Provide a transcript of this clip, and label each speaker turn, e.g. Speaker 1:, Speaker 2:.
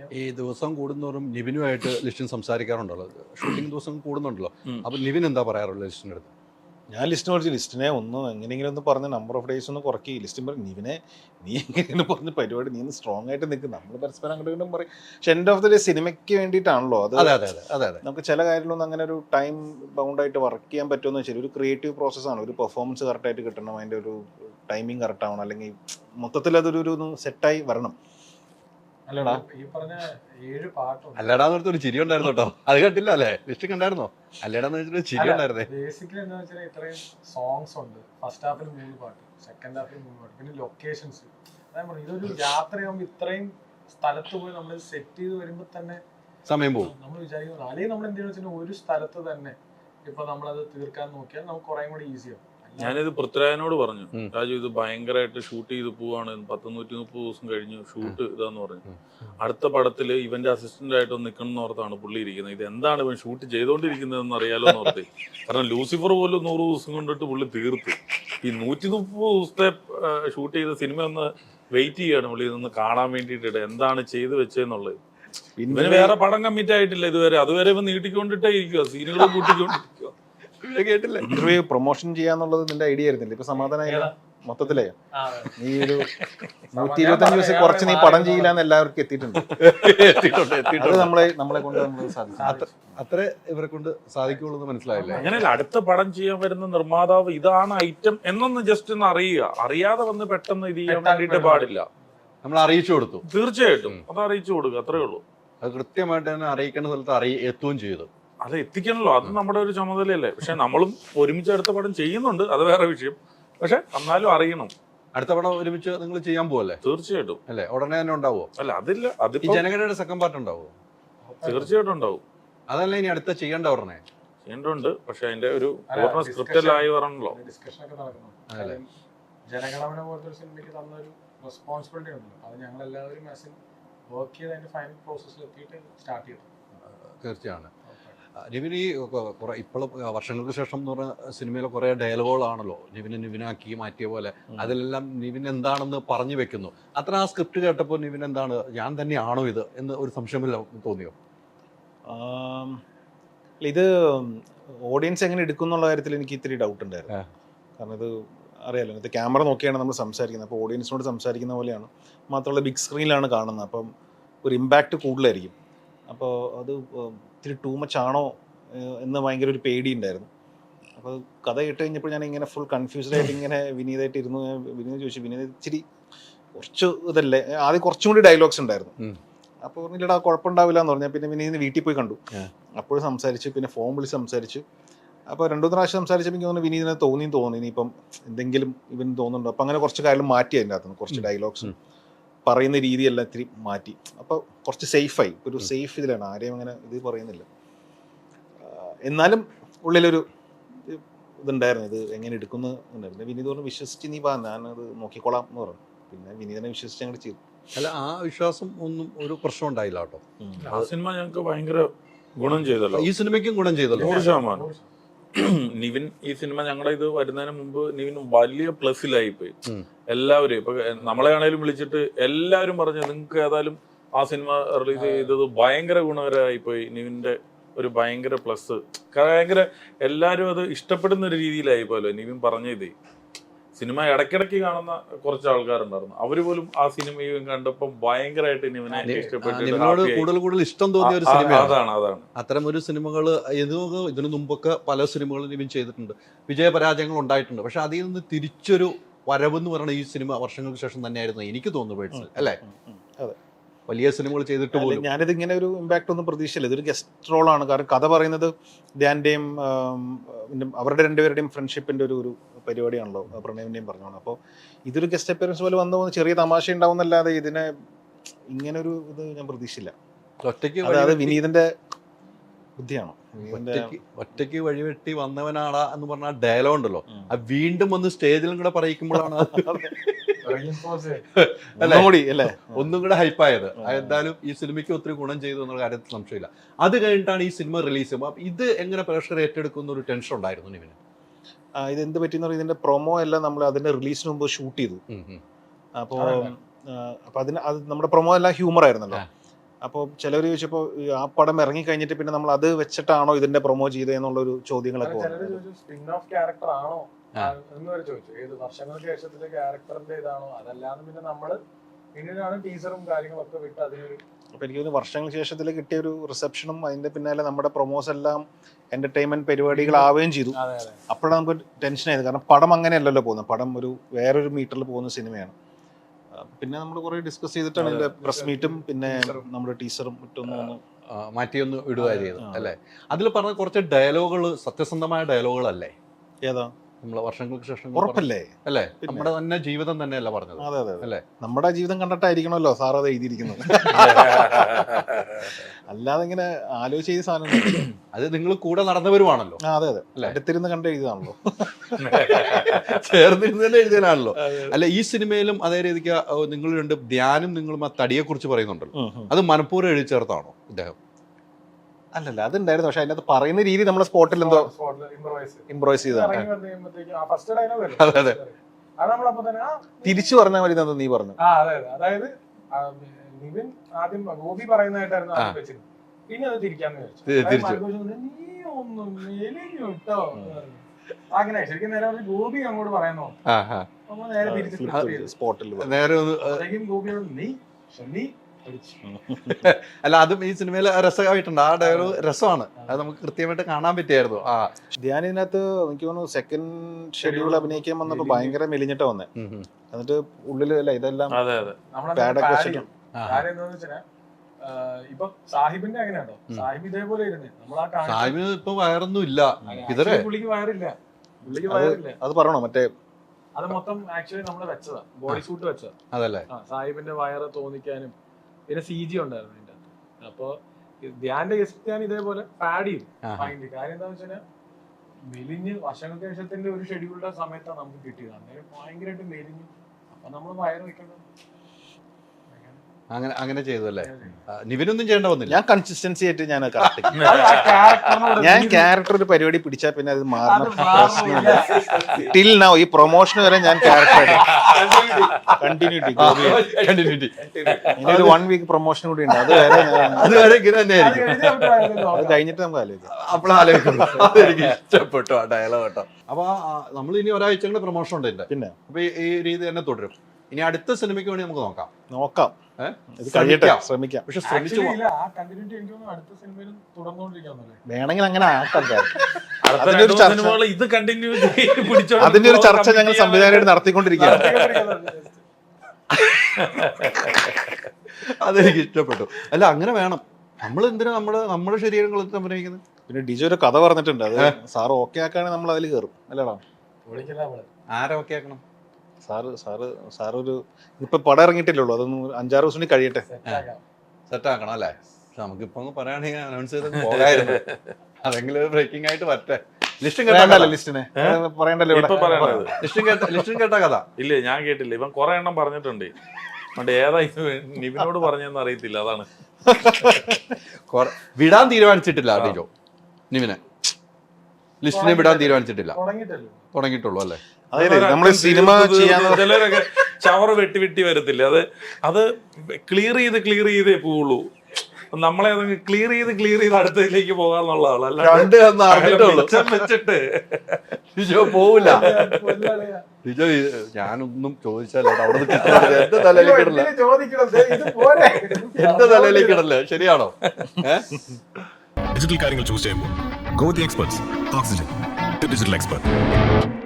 Speaker 1: ഈ ദിവസം കൂടുന്നോറും നിവിനുമായിട്ട് ലിസ്റ്റിൻ സംസാരിക്കാറുണ്ടല്ലോ, ഷൂട്ടിംഗ് ദിവസം കൂടുന്നുണ്ടല്ലോ. അപ്പൊ നിവിൻ എന്താ പറയാറുള്ളത് ലിസ്റ്റിൻ്റെ അടുത്ത്?
Speaker 2: ഞാൻ ലിസ്റ്റ് കുറച്ച് ലിസ്റ്റിനെ ഒന്ന് എങ്ങനെയെങ്കിലും ഒന്ന് പറഞ്ഞ് നമ്പർ ഓഫ് ഡേയ്സ് ഒന്ന് കുറയ്ക്കുക. ഈ ലിസ്റ്റും പറയും നിവിനെ നീ എങ്ങനെയാണ് പറഞ്ഞ പരിപാടി, നീ ഒന്ന് സ്ട്രോങ് ആയിട്ട് നിൽക്കും, നമ്മൾ പരസ്പരം അങ്ങോട്ടും ഇങ്ങോട്ടും പറയും. പക്ഷെ എൻഡ് ഓഫ് ദി ഡേ സിനിമയ്ക്ക് വേണ്ടിയിട്ടാണല്ലോ അത്.
Speaker 1: അതെ അതെ അതെ അതെ.
Speaker 2: നമുക്ക് ചില കാര്യങ്ങളൊന്നും അങ്ങനെ ഒരു ടൈം ബൗണ്ടായിട്ട് വർക്ക് ചെയ്യാൻ പറ്റുമെന്ന് വെച്ചാൽ ഒരു ക്രിയേറ്റീവ് പ്രോസസ്സാണ്. ഒരു പെർഫോമൻസ് കറക്റ്റായിട്ട് കിട്ടണം, അതിൻ്റെ ഒരു ടൈമിങ് കറക്റ്റ് ആവണം, അല്ലെങ്കിൽ മൊത്തത്തിൽ അതൊരു സെറ്റായി വരണം. അല്ലടാ
Speaker 3: ഈ പറഞ്ഞ 7 പാട്ടുണ്ട്.
Speaker 1: അല്ലടാന്ന് പറഞ്ഞ ഒരു ചിരി ഉണ്ടായിരുന്നു കേട്ടോ, അത് കണ്ടില്ല അല്ലേ? ലിസ്റ്റ് കണ്ടായിരുന്നോ? അല്ലടാന്ന് വെച്ചിട്ട് ചിരി ഉണ്ടായിരുന്നേ.
Speaker 3: ബേസിക്കലി എന്താ വെച്ചാൽ ഇത്രയും സോങ്സ് ഉണ്ട്. ഫസ്റ്റ് ഹാഫിൽ 3 പാട്ട്, സെക്കൻഡ് ഹാഫിൽ 3 പാട്ട്, പിന്നെ ലൊക്കേഷൻസ്. അതായത് ഇതൊരു യാത്രയാകുമ്പോൾ ഇത്രയും സ്ഥലത്ത് പോയി നമ്മൾ സെറ്റ് ചെയ്ത് വരുമ്പോൾ തന്നെ
Speaker 1: സമയം പോകും.
Speaker 3: നമ്മൾ വിചാരിക്കുന്നത്. അല്ലെങ്കിൽ നമ്മൾ എന്തെങ്കിലും വെച്ചാൽ ഒരു സ്ഥലത്ത് തന്നെ ഇപ്പൊ നമ്മളത് തീർക്കാൻ നോക്കിയാൽ നമുക്ക് കുറേ കൂടി ഈസിയാവും.
Speaker 4: ഞാനിത് പൃഥ്വിരാജിനോട് പറഞ്ഞു, രാജു ഇത് ഭയങ്കരമായിട്ട് ഷൂട്ട് ചെയ്ത് പോവാണ്, 130 ദിവസം കഴിഞ്ഞു ഷൂട്ട് ഇതാന്ന് പറഞ്ഞു. അടുത്ത പടത്തിൽ ഇവന്റെ അസിസ്റ്റന്റ് ആയിട്ട് നിൽക്കണം എന്ന് ഓർത്താണ് പുള്ളി ഇരിക്കുന്നത്. ഇത് എന്താണ് ഇവൻ ഷൂട്ട് ചെയ്തോണ്ടിരിക്കുന്നതെന്ന് അറിയാലോ എന്ന് ഓർത്തേ. കാരണം ലൂസിഫർ പോലും 100 ദിവസം കൊണ്ടിട്ട് പുള്ളി തീർത്ത്. ഈ 130 ദിവസത്തെ ഷൂട്ട് ചെയ്ത സിനിമ ഒന്ന് വെയിറ്റ് ചെയ്യാണ് പുള്ളി ഇതൊന്ന് കാണാൻ വേണ്ടിയിട്ട് എന്താണ് ചെയ്ത് വെച്ചതെന്നുള്ളത്. ഇവന് വേറെ പടം കമ്മിറ്റ് ആയിട്ടില്ല ഇതുവരെ. അതുവരെ ഇവൻ നീട്ടിക്കൊണ്ടിട്ടേ ഇരിക്കുക, സീനുകൾ കൂട്ടിക്കൊണ്ടിരിക്കുക.
Speaker 1: കേട്ടില്ല.
Speaker 2: ഇന്റർവ്യൂ പ്രൊമോഷൻ ചെയ്യാന്നുള്ളത് നിന്റെ ഐഡിയ ആയിരുന്നില്ല? ഇപ്പൊ സമാധാനമായി മൊത്തത്തിലേ നീ ഒരു 125 ദിവസം കുറച്ച് നീ പടം ചെയ്യില്ലാന്ന് എല്ലാവർക്കും എത്തിയിട്ടുണ്ട്. അത് നമ്മളെ കൊണ്ട് നമ്മൾ സാധിക്കും.
Speaker 1: അത്ര ഇവരെ കൊണ്ട് സാധിക്കുള്ളൂ എന്ന് മനസ്സിലായില്ലേ?
Speaker 4: അങ്ങനെയല്ല, അടുത്ത പടം ചെയ്യാൻ വരുന്ന നിർമ്മാതാവ് ഇതാണ് ഐറ്റം എന്നൊന്ന് ജസ്റ്റ് ഒന്ന് അറിയുക. അറിയാതെ വന്ന് പെട്ടെന്ന് ഇത് ചെയ്യാൻ വേണ്ടിയിട്ട് പാടില്ല.
Speaker 1: നമ്മൾ അറിയിച്ചു കൊടുത്തു.
Speaker 4: തീർച്ചയായിട്ടും അത് അറിയിച്ചു കൊടുക്കുക, അത്രേ ഉള്ളൂ.
Speaker 1: അത് കൃത്യമായിട്ട് തന്നെ അറിയിക്കേണ്ട സ്ഥലത്ത് എത്തുകയും ചെയ്തു.
Speaker 4: അത് എത്തിക്കണല്ലോ, അത് നമ്മുടെ ഒരു ചുമതലയല്ലേ. പക്ഷെ നമ്മളും ഒരുമിച്ച് അടുത്ത പടം ചെയ്യുന്നുണ്ട്, അത് വേറെ വിഷയം. പക്ഷെ എന്നാലും അറിയണം.
Speaker 1: അടുത്ത പടം ഒരുമിച്ച് നിങ്ങൾ ചെയ്യാൻ പോവല്ലേ?
Speaker 4: തീർച്ചയായിട്ടും.
Speaker 1: അല്ലേ? ഉടനെ തന്നെ ഉണ്ടാവുമോ?
Speaker 4: അല്ല അതില്ല,
Speaker 1: ഈ
Speaker 4: അതിപ്പോ
Speaker 1: ജനഗണയുടെ സെക്കൻഡ് പാർട്ട് ഉണ്ടാവുമോ?
Speaker 4: തീർച്ചയായിട്ടും ഉണ്ടാവും.
Speaker 1: അതല്ല ഇനി അടുത്ത ചെയ്യേണ്ട ഉടനെ
Speaker 4: ചെയ്യേണ്ടതുണ്ട്. പക്ഷെ അതിന്റെ ഒരു പൂർണ്ണ സ്ക്രിപ്റ്റല്ലായി വരണല്ലോ.
Speaker 3: ഡിസ്കഷൻ ഒക്കെ നടക്കുന്നു. ജനഗണമന പോലത്തെ ഒരു സിനിമയ്ക്ക് തന്നൊരു റെസ്പോൺസിബിലിറ്റി ഉണ്ടല്ലോ, അത് ഞങ്ങൾ എല്ലാവരും വർക്ക് ചെയ്ത് അതിന്റെ ഫൈനൽ പ്രോസസ്സിൽ എത്തിയിട്ട് സ്റ്റാർട്ട് ചെയ്തു.
Speaker 1: തീർച്ചയാണ്. നിവിൻ ഈ ഇപ്പോഴും വർഷങ്ങൾക്ക് ശേഷം എന്ന് പറഞ്ഞ സിനിമയിലെ കുറേ ഡയലോഗുകളാണല്ലോ നിവിനാക്കി മാറ്റിയ പോലെ. അതിലെല്ലാം നിവിൻ എന്താണെന്ന് പറഞ്ഞു വെക്കുന്നു. അത്ര ആ സ്ക്രിപ്റ്റ് കേട്ടപ്പോൾ നിവിൻ എന്താണ്, ഞാൻ തന്നെയാണോ ഇത് എന്ന് ഒരു സംശയമില്ല തോന്നിയോ?
Speaker 2: ഇത് ഓഡിയൻസ് എങ്ങനെ എടുക്കും എന്നുള്ള കാര്യത്തിൽ എനിക്ക് ഇത്തിരി ഡൗട്ട് ഉണ്ടായിരുന്നു. കാരണം ഇത് അറിയാലോ, ഇത് ക്യാമറ നോക്കിയാണ് നമ്മൾ സംസാരിക്കുന്നത്. അപ്പോൾ ഓഡിയൻസിനോട് സംസാരിക്കുന്ന പോലെയാണ്. മാത്രമല്ല ബിഗ് സ്ക്രീനിലാണ് കാണുന്നത്, അപ്പം ഒരു ഇമ്പാക്റ്റ് കൂടുതലായിരിക്കും. അപ്പോൾ അത് ഇത്തിരി ടൂ മച്ച് ആണോ എന്ന് ഭയങ്കര ഒരു പേടി ഉണ്ടായിരുന്നു. അപ്പോൾ കഥ കേട്ട് കഴിഞ്ഞപ്പോൾ ഞാൻ ഇങ്ങനെ ഫുൾ കൺഫ്യൂസ്ഡ് ആയിട്ട് ഇങ്ങനെ വിനീതായിട്ട് ഇരുന്നു. വിനീത് ചോദിച്ചു, വിനീത് ഇച്ചിരി കുറച്ച് ഇതല്ലേ, ആദ്യം കുറച്ചും കൂടി ഡയലോഗ്സ് ഉണ്ടായിരുന്നു. അപ്പോൾ പറഞ്ഞില്ലടാ കുഴപ്പമുണ്ടാവില്ല എന്ന് പറഞ്ഞാൽ പിന്നെ വിനീതിന് വീട്ടിൽ പോയി കണ്ടു. അപ്പോഴും സംസാരിച്ചു, പിന്നെ ഫോൺ വിളിച്ച് സംസാരിച്ചു. അപ്പോൾ 2-3 പ്രാവശ്യം സംസാരിച്ചപ്പോൾ എനിക്ക് തോന്നുന്നു വിനീതിനെ തോന്നി ഇനിയിപ്പം എന്തെങ്കിലും ഇവന് തോന്നുന്നുണ്ടോ. അപ്പോൾ അങ്ങനെ കുറച്ച് കാര്യം മാറ്റി, അതിൻ്റെ അകത്തുനിന്ന് കുറച്ച് ഡയലോഗ്സും പറയുന്ന രീതിയെല്ലാം ഇത്തിരി മാറ്റി. അപ്പോൾ കുറച്ച് സേഫായി, ഒരു സേഫ് ഇതിലാണ്, ആരെയും അങ്ങനെ ഇത് പറയുന്നില്ല. എന്നാലും ഉള്ളിലൊരു ഇതുണ്ടായിരുന്നു, ഇത് എങ്ങനെ എടുക്കുന്നു ഉണ്ടായിരുന്നു. വിനീത് പറഞ്ഞു വിശ്വസിച്ച് നീ ഞാനത് നോക്കിക്കോളാം എന്ന് പറഞ്ഞു. പിന്നെ വിനീതിനെ വിശ്വസിച്ച് അങ്ങോട്ട് ചെയ്തു.
Speaker 1: അല്ല, ആ വിശ്വാസം ഒന്നും ഒരു പ്രശ്നം ഉണ്ടായില്ല കേട്ടോ.
Speaker 4: ആ സിനിമ ഞങ്ങൾക്ക് ഭയങ്കര ഗുണം ചെയ്തല്ലോ.
Speaker 1: ഈ സിനിമയ്ക്കും ഗുണം ചെയ്തല്ലോ.
Speaker 4: 100%. നിവിൻ ഈ സിനിമ ഞങ്ങളുടെ ഇത് വരുന്നതിന് മുമ്പ് നിവിൻ വലിയ പ്ലസിലായി പോയി. എല്ലാവരും ഇപ്പൊ നമ്മളെ ആണെങ്കിലും വിളിച്ചിട്ട് എല്ലാവരും പറഞ്ഞു നിങ്ങൾക്ക് ഏതായാലും ആ സിനിമ റിലീസ് ചെയ്തത് ഭയങ്കര ഗുണകരമായി പോയി. നിവിന്റെ ഒരു ഭയങ്കര പ്ലസ്, ഭയങ്കര എല്ലാവരും അത് ഇഷ്ടപ്പെടുന്ന ഒരു രീതിയിലായി പോയല്ലോ നിവിൻ പറഞ്ഞത്. സിനിമ ഇടയ്ക്കിടയ്ക്ക് കാണുന്ന കുറച്ച് ആൾക്കാരുണ്ടായിരുന്നു, അവര് പോലും ആ സിനിമയും കണ്ടപ്പോൾ ഭയങ്കരമായിട്ട് നിവിനെ ഇഷ്ടപ്പെട്ടു.
Speaker 1: കൂടുതൽ ഇഷ്ടം തോന്നിയ ഒരു സിനിമ
Speaker 4: അതാണ്.
Speaker 1: അത്തരം ഒരു സിനിമകൾ ഇതിനു മുമ്പൊക്കെ പല സിനിമകളും നിവിൻ ചെയ്തിട്ടുണ്ട്, വിജയപരാജയങ്ങൾ ഉണ്ടായിട്ടുണ്ട്. പക്ഷെ അതിൽ നിന്ന് തിരിച്ചൊരു വരവെന്ന് പറയുന്ന ഈ സിനിമ വർഷങ്ങൾക്ക് ശേഷം തന്നെയായിരുന്നു എനിക്ക് തോന്നുന്നു പേഴ്സണൽ. അല്ലേ?
Speaker 2: അതെ,
Speaker 1: വലിയ സിനിമകൾ ചെയ്തിട്ട് പോലും
Speaker 2: ഞാനിത് ഇങ്ങനെ ഒരു ഇമ്പാക്റ്റ് ഒന്നും പ്രതീക്ഷയില്ല. ഇതൊരു ഗസ്റ്റ് റോളാണ്. കാരണം കഥ പറയുന്നത് ധ്യാൻ്റെയും അവരുടെ രണ്ടുപേരുടെയും ഫ്രണ്ട്ഷിപ്പിൻ്റെ ഒരു പരിപാടിയാണല്ലോ, പ്രണയവിൻ്റെയും പറഞ്ഞോളാം. അപ്പോൾ ഇതൊരു ഗസ്റ്റ് അപ്പിയറൻസ് പോലെ വന്നു പോകുന്ന ചെറിയ തമാശ ഉണ്ടാവുന്നല്ലാതെ ഇതിനെ ഇങ്ങനൊരു ഇത് ഞാൻ പ്രതീക്ഷയില്ല. അതായത് വിനീതിന്റെ ബുദ്ധിയാണോ,
Speaker 1: ഒറ്റയ്ക്ക് വഴിവെട്ടി വന്നവനാടാ എന്ന് പറഞ്ഞ ഡയലോഗ് ഉണ്ടല്ലോ, അത് വീണ്ടും വന്ന് സ്റ്റേജിലും കൂടെ പറയിക്കുമ്പോഴാണ് ഒന്നും കൂടെ ഹൈപ്പായത്. എന്തായാലും ഈ സിനിമയ്ക്ക് ഒത്തിരി ഗുണം ചെയ്തു എന്നുള്ള കാര്യത്തിൽ സംശയമില്ല. അത് കഴിഞ്ഞിട്ടാണ് ഈ സിനിമ റിലീസ് ചെയ്യുമ്പോൾ ഇത് എങ്ങനെ പ്രേക്ഷകർ ഏറ്റെടുക്കുന്ന ഒരു ടെൻഷൻ ഉണ്ടായിരുന്നു ഇവന്.
Speaker 2: ഇത് എന്ത് പറ്റിയെന്ന് പറഞ്ഞാൽ ഇതിന്റെ പ്രൊമോ എല്ലാം നമ്മൾ അതിന്റെ റിലീസിന് മുമ്പ് ഷൂട്ട് ചെയ്തു. അപ്പോൾ അതിന് അത് നമ്മുടെ പ്രൊമോ എല്ലാം ഹ്യൂമർ ആയിരുന്നല്ലോ. അപ്പോൾ ചിലർ ചോദിച്ചപ്പോൾ ആ പടം ഇറങ്ങി കഴിഞ്ഞിട്ട് പിന്നെ നമ്മൾ അത് വെച്ചിട്ടാണോ ഇതിന്റെ പ്രൊമോ ചെയ്തതെന്നുള്ളൊരു ചോദ്യങ്ങളൊക്കെ
Speaker 3: ചിലര് ചോദിച്ചു സ്പിൻ ഓഫ് ക്യാരക്ടർ ആണോ എന്ന് വരെ ചോദിച്ചു. ഏത് വർഷങ്ങൾക്ക് ശേഷത്തിലെ ക്യാരക്ടറിന്റെ ഇതാണോ, അതല്ലാന്ന് പിന്നെ നമ്മള് പിന്നീടാണ് ടീസറും കാര്യങ്ങളൊക്കെ വിട്ട് അതിനൊരു.
Speaker 2: അപ്പോൾ എനിക്ക് തോന്നുന്നു വർഷങ്ങൾക്ക് ശേഷത്തിൽ കിട്ടിയ ഒരു റിസപ്ഷനും അതിന്റെ പിന്നാലെ നമ്മുടെ പ്രൊമോസ് എല്ലാം എന്റർടൈൻമെന്റ് പരിപാടികളാവുകയും ചെയ്തു.
Speaker 3: അതെ അതെ.
Speaker 2: അപ്പോഴാണ് നമുക്ക് ടെൻഷൻ ആയത്. കാരണം പടം അങ്ങനെയല്ലല്ലോ പോകുന്നത്, പടം ഒരു വേറൊരു മീറ്ററിൽ പോകുന്ന സിനിമയാണ്. പിന്നെ നമ്മൾ കുറെ ഡിസ്കസ് ചെയ്തിട്ടാണ് ഇതിന്റെ പ്രസ് മീറ്റും പിന്നെ നമ്മുടെ ടീച്ചറും മറ്റൊന്നും
Speaker 1: മാറ്റിയൊന്ന് ഇടുക ചെയ്തു അല്ലേ. അതിൽ പറഞ്ഞ കുറച്ച് ഡയലോഗുകൾ സത്യസന്ധമായ ഡയലോഗുകളല്ലേ?
Speaker 2: ഏതാ
Speaker 1: നമ്മളെ വർഷങ്ങൾക്ക് ശേഷം
Speaker 2: ഉറപ്പല്ലേ
Speaker 1: അല്ലേ? നമ്മുടെ തന്നെ ജീവിതം തന്നെയല്ല പറഞ്ഞത്.
Speaker 2: അതെ അതെ
Speaker 1: അല്ലേ?
Speaker 2: നമ്മുടെ ജീവിതം കണ്ടിട്ടായിരിക്കണമല്ലോ സാർ അത് എഴുതിയിരിക്കുന്നത്. അല്ലാതെ ഇങ്ങനെ ആലോചിച്ച് ചെയ്ത സാധനം
Speaker 1: അത് നിങ്ങൾ കൂടെ നടന്നവരുമാണല്ലോ.
Speaker 2: അതെ അതെ അടുത്തിരുന്ന് കണ്ട് എഴുതാണല്ലോ,
Speaker 1: ചേർന്നിരുന്ന് തന്നെ എഴുതിയാണല്ലോ. അല്ല, ഈ സിനിമയിലും അതേ രീതിക്ക് നിങ്ങൾ രണ്ട് ധ്യാനും നിങ്ങളും ആ തടിയെ കുറിച്ച് പറയുന്നുണ്ടല്ലോ. അത് മനഃപൂർവ്വം എഴുതി ചേർത്താണോ ഇദ്ദേഹം?
Speaker 2: അല്ലല്ല അതുണ്ടായിരുന്നു, പക്ഷെ അതിനകത്ത് പറയുന്ന രീതി നമ്മളെ സ്പോട്ടിൽ എന്തോ ഇംപ്രൈസ് ചെയ്തതാണ്.
Speaker 1: അതെ അതെ.
Speaker 2: തിരിച്ചു പറഞ്ഞാൽ മതി നീ പറഞ്ഞു.
Speaker 3: അതായത് നിവിൻ ആദ്യം ഗോപി പറയുന്നതായിട്ടായിരുന്നു ആദ്യം വെച്ചത്. പിന്നെ അത് തിരിക്കാന്ന് വിചാരിച്ചു. നീ ഒന്നും കേട്ടോ അങ്ങനെ ശരിക്കും നേരെ ഗോപി അങ്ങോട്ട് പറയുന്നോ നേരെ തിരിച്ചു
Speaker 2: സ്പോട്ടിൽ
Speaker 1: നേരെ
Speaker 3: ഗോപിയോട് നീ
Speaker 1: അല്ല, അതും ഈ സിനിമയിൽ രസമായിട്ടുണ്ട്. ആ ഡയലോഗ് രസമാണ്, അത് നമുക്ക് കൃത്യമായിട്ട് കാണാൻ പറ്റിയായിരുന്നു.
Speaker 2: ധ്യാൻ ഇതിനകത്ത് എനിക്ക് തോന്നുന്നു സെക്കൻഡ് ഷെഡ്യൂൾ അഭിനയിക്കാൻ വന്നപ്പോ ഭയങ്കര മെലിഞ്ഞിട്ടാ വന്നേ. എന്നിട്ട് ഉള്ളില് അല്ല ഇതെല്ലാം പാഡൊക്കെ വെച്ചിട്ട്
Speaker 3: ഇപ്പൊ സാഹിബിന്റെ അങ്ങനെയാണോ? സാഹിബ് ഇതേപോലെ ഇരുന്നേ
Speaker 1: സാഹിബിന് ഇപ്പൊ വയറൊന്നും ഇല്ല.
Speaker 3: പുള്ളിക്ക് വയറില്ല, പുള്ളിക്ക് വയറില്ല.
Speaker 2: അത് പറയണോ? മറ്റേ
Speaker 3: അത് മൊത്തം ആക്ച്വലി നമ്മള് വെച്ചതാ, ബോഡി സൂട്ട് വെച്ചതാ.
Speaker 1: അതല്ലേ
Speaker 3: സാഹിബിന്റെ വയറ് തോന്നിക്കാനും പിന്നെ CG ഉണ്ടായിരുന്നു അതിന്റെ അകത്ത്. അപ്പൊ ധ്യാന്റെ ഗസ്റ്റ് ഞാൻ ഇതേപോലെ പാഡ് ചെയ്തു. കാര്യം എന്താന്ന് വെച്ചാൽ മെലിഞ്ഞ് വർഷങ്ങൾക്ക് ശേഷത്തിന്റെ ഒരു ഷെഡ്യൂളിന്റെ സമയത്താണ് നമുക്ക് കിട്ടിയത്. അന്നേരം ഭയങ്കരമായിട്ട് മെലിഞ്ഞു. അപ്പൊ നമ്മൾ വയറ് വെക്കണം
Speaker 1: അങ്ങനെ ചെയ്തു അല്ലേ? നിവിനൊന്നും ചെയ്യേണ്ട വന്നില്ല.
Speaker 2: ഞാൻ കൺസിസ്റ്റൻസി ആയിട്ട് ഞാൻ ക്യാരക്ടർ ഒരു പരിപാടി പിടിച്ചാൽ പിന്നെ അത് മാറുന്ന പ്രശ്നമില്ല. ടിൽ നൗ ഈ പ്രൊമോഷൻ വരെ ഞാൻ ക്യാരക്ടർ കണ്ടിന്യൂറ്റി ഇനി ഒരു 1 വീക്ക് പ്രൊമോഷൻ കൂടി ഉണ്ട്.
Speaker 1: അതുവരെ ഇങ്ങനെ തന്നെയായിരിക്കും.
Speaker 2: അത് കഴിഞ്ഞിട്ട് നമുക്ക് ആലോചിക്കാം.
Speaker 1: അപ്പോഴാലോചിക്കുന്നു. അതെനിക്ക് ഇഷ്ടപ്പെട്ടു ആ ഡയലോഗ് കേട്ടോ. അപ്പൊ നമ്മൾ ഇനി ഒരാഴ്ച കൂടെ പ്രൊമോഷൻ ഉണ്ട് എന്റെ.
Speaker 2: പിന്നെ
Speaker 1: അപ്പൊ ഈ രീതി തന്നെ തുടരും. ഇനി അടുത്ത സിനിമയ്ക്ക് വേണ്ടി നമുക്ക് നോക്കാം.
Speaker 2: ഇത് കഴിയട്ടെ, ശ്രമിക്കാം.
Speaker 1: പക്ഷെ ശ്രമിച്ചു
Speaker 2: വേണമെങ്കിൽ അങ്ങനെ ആക്കാം.
Speaker 4: ഇത്
Speaker 2: അതിന്റെ ഒരു ചർച്ച ഞങ്ങൾ സംവിധാനമായിട്ട് നടത്തിക്കൊണ്ടിരിക്കുകയാണ്.
Speaker 1: അതെനിക്ക് ഇഷ്ടപ്പെട്ടു. അല്ല, അങ്ങനെ വേണം. നമ്മൾ എന്തിനാ നമ്മുടെ ശരീരങ്ങൾ അഭിനയിക്കുന്നത്?
Speaker 2: പിന്നെ ഡിജോ ഒരു കഥ പറഞ്ഞിട്ടുണ്ട്, അത് സാറ് ഓക്കെ ആക്കുകയാണെങ്കിൽ നമ്മൾ അതിൽ കയറും. അല്ലേടാ?
Speaker 1: ആരെ ഓക്കെ ആക്കണം?
Speaker 2: സാറ് ഇപ്പൊ പടം ഇറങ്ങിയിട്ടില്ലല്ലോ, അതൊന്ന് 5-6 ദിവസം കൂടി കഴിയട്ടെ,
Speaker 1: സെറ്റ് ആക്കണം അല്ലേ? പക്ഷെ നമുക്കിപ്പൊ പറയുകയാണെങ്കിൽ അനൗൺസ് ചെയ്ത് പോകായിരുന്നു. അതെങ്കിലും ബ്രേക്കിംഗ് ആയിട്ട് വരട്ടെ. ലിസ്റ്റും കേട്ടല്ലോ, ലിസ്റ്റിനെ
Speaker 2: പറയണ്ടല്ലോ.
Speaker 1: ലിസ്റ്റും കേട്ട കഥ
Speaker 4: ഇല്ലേ? ഞാൻ കേട്ടില്ല. ഇവൻ കുറെ എണ്ണം പറഞ്ഞിട്ടുണ്ട്. ഏതാ നിവിനോട് പറഞ്ഞെന്ന് അറിയത്തില്ല. അതാണ്
Speaker 1: വിടാൻ തീരുമാനിച്ചിട്ടില്ല ഡിജോ. നിവിനെ ലിസ്റ്റിനെ വിടാൻ തീരുമാനിച്ചിട്ടില്ല. തുടങ്ങിയിട്ടുള്ളൂ അല്ലേ?
Speaker 2: നമ്മള് സിനിമ
Speaker 4: ചിലരൊക്കെ ചവറ് വെട്ടി വരത്തില്ല. അത് ക്ലിയർ ചെയ്തേ പോവുള്ളൂ. നമ്മളെ ക്ലിയർ ചെയ്ത് അടുത്തതിലേക്ക് പോകാന്നുള്ളതാണ്. അല്ല വെച്ചിട്ട്
Speaker 1: ഡിജോ പോവില്ല. ഡിജോ ഞാനൊന്നും ചോദിച്ചാലോ അവിടെ എന്റെ തലയിലേക്ക് ഇടല്ലേ? ശരിയാണോ?
Speaker 5: ഡിജിറ്റൽ കാര്യങ്ങൾ ചൂസ് ചെയ്യുമ്പോൾ go the experts. Oxygen, digital expert.